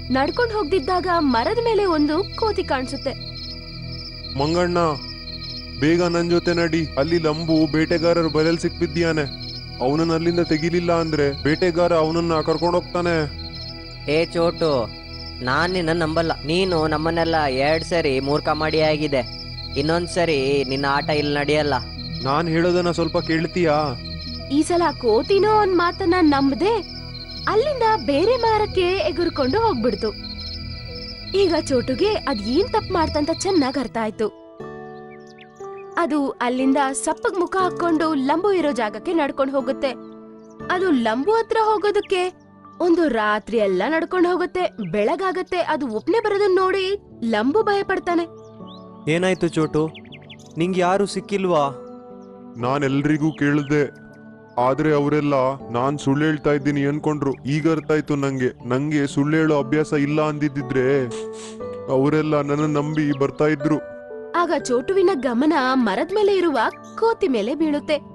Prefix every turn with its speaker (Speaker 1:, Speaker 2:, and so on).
Speaker 1: ನಡ್ಕೊಂಡು ಹೋಗ್ದಿದ್ದಾಗ ಮರದ ಮೇಲೆ ಒಂದು ಕೋತಿ ಕಾಣಿಸುತ್ತೆ.
Speaker 2: ಮಂಗಣ್ಣ, ಬೇಗ ನನ್ ಜೊತೆ ನಡಿ. ಅಲ್ಲಿ ಲಂಬು ಬೇಟೆಗಾರರ ಬಲೆಲ್ ಸಿಕ್ಬಿದ್ಯಾನೆ. ಅವನನ್ನ ಅಲ್ಲಿಂದ ತೆಗಿಲಿಲ್ಲ ಅಂದ್ರೆ ಬೇಟೆಗಾರ ಅವನನ್ನ ಕರ್ಕೊಂಡೋಗ್ತಾನೆ.
Speaker 3: ಏ ಚೋಟು, ನಾನ್ ನಿನ್ನ ನಂಬಲ್ಲ. ನೀನು ನಮ್ಮನ್ನೆಲ್ಲ 2 ಸರಿ ಮೂರ್ಖ ಮಾಡಿ ಆಗಿದೆ. ಇನ್ನೊಂದ್ಸರಿ ನಿನ್ನ ಆಟ ಇಲ್ಲಿ ನಡೆಯಲ್ಲ.
Speaker 2: ನಾನ್ ಹೇಳೋದನ್ನ ಸ್ವಲ್ಪ ಕೇಳ್ತೀಯಾ?
Speaker 1: ಈ ಸಲ ಕೋತಿನೋ ಒಂದ್ ಮಾತನ್ನ ನಂಬದೆ ಅಲ್ಲಿಂದ ಬೇರೆ ಮರಕ್ಕೆ ಎಗುರ್ಕೊಂಡು ಹೋಗ್ಬಿಡ್ತು. ಈಗ ಚೋಟುಗೆ ಅದ್ ಏನ್ ತಪ್ಪು ಮಾಡ್ತಂತ ಚೆನ್ನಾಗ್ ಅರ್ಥ ಆಯ್ತು. ಅದು ಅಲ್ಲಿಂದ ಸಪ್ಪಗ್ ಮುಖ ಹಾಕೊಂಡು ಲಂಬು ಇರೋ ಜಾಗಕ್ಕೆ ನಡ್ಕೊಂಡು ಹೋಗುತ್ತೆ. ಅದು ಲಂಬು ಹತ್ರ ಹೋಗೋದಕ್ಕೆ ಒಂದು ರಾತ್ರಿ ಎಲ್ಲ ನಡ್ಕೊಂಡು ಹೋಗುತ್ತೆ. ಬೆಳಗಾಗತ್ತೆ. ಅದು ಒಪ್ನೆ ಬರೋದನ್ನ ನೋಡಿ ಲಂಬು ಭಯ ಪಡ್ತಾನೆ.
Speaker 4: ಏನಾಯ್ತು ಚೋಟು, ನಿಂಗೆ ಯಾರು ಸಿಕ್ಕಿಲ್ವಾ?
Speaker 2: ನಾನ್ ಎಲ್ರಿಗೂ ಕೇಳ್ದೆ, ಆದ್ರೆ ಅವರೆಲ್ಲ ನಾನ್ ಸುಳ್ಳು ಹೇಳ್ತಾ ಇದ್ದೀನಿ ಅನ್ಕೊಂಡ್ರು. ಈಗ ಅರ್ಥ ಆಯ್ತು ನಂಗೆ ಸುಳ್ಳು ಹೇಳೋ ಅಭ್ಯಾಸ ಇಲ್ಲ ಅಂದಿದ್ರೆ ಅವರೆಲ್ಲ ನನ್ನ ನಂಬಿ ಬರ್ತಾ ಇದ್ರು.
Speaker 1: ಆಗ ಚೋಟುವಿನ ಗಮನ ಮರದ ಮೇಲೆ ಇರುವ ಕೋತಿ ಮೇಲೆ ಬೀಳುತ್ತೆ.